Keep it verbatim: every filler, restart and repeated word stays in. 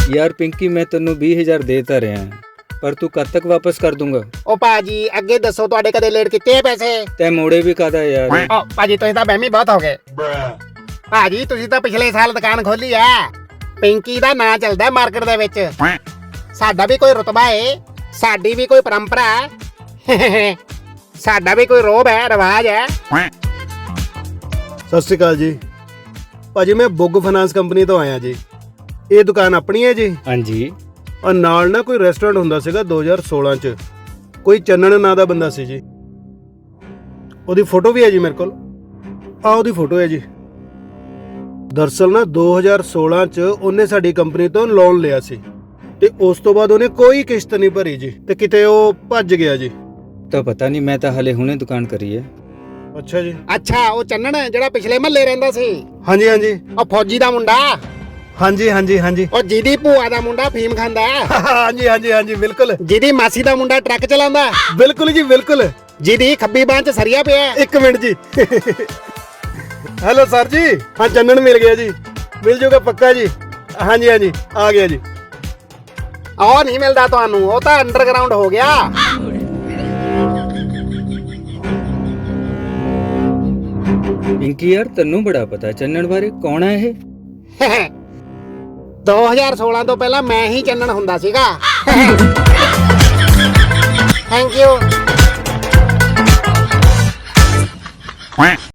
यार पिंकी मैं तेनू बीस हजार देता रहा पर तू कद तक वापस कर दूंगा? ओ भाजी अगे दसो तुहाडे कदे लेट किते पैसे? तै मोड़े भी कादा यार। ओ भाजी तुसीं तां बहमी बहुत हो गए। भाजी तुसीं तां पिछले साल दुकान खोली है। पिंकी दा नां चलदा मार्केट दे विच। साडा भी कोई रुतबा है, साडी भी कोई परंपरा है, साडा भी कोई रोब है, रिवाज है। सत श्री अकाल जी भाजी, मैं बुग फाइनेंस कंपनी तो आया जी। ये दुकान अपनी है जी? हाँ जी। और नाल ना कोई रेस्टोरेंट हुंदा सीगा दो हज़ार सोलह च, कोई चन्नन नां दा बंदा सी जी। ओदी फोटो भी है जी मेरे कोल। आ ओदी फोटो है जी। दरअसल ना दो हज़ार सोलह च ओने साडी कंपनी तो लोन लिया सी ते उस तो बाद ओने कोई किश्त नहीं भरी जी ते किते ओ भज गया जी। तो पता नहीं, मैं तो हाले हुणे दुकान करी है। अच्छा जी। अच्छा ओ चन्नन जेड़ा पिछले महल्ले रहिंदा सी? हाँ जी हाँ जी। ओ फौजी दा मुंडा? हाँ जी हाँ जी हाँ जी। ओ जिदी भूआ दा मुंडा फीम खांदा? हाँ जी हाँ जी हाँ जी बिल्कुल। जिदी मासी दा मुंडा ट्रक चलांदा? बिल्कुल जी बिल्कुल। जिदी खब्बी बांह च सरिया पिया? एक मिनट जी। हेलो सर जी। हाँ चन्नन मिल गया जी, मिल जाऊगा पक्का जी। हाँ जी हाँ जी आ गया जी। ओ नहीं मिलदा तुहानू, ओ तां अंडरग्राउंड हो गया। पिंकी यार तेनू बड़ा पता चन्नन बारे, कौन है ये? दो हज़ार सोलह तो पहला मैं ही चन्नन हुंदा सीगा। Thank you.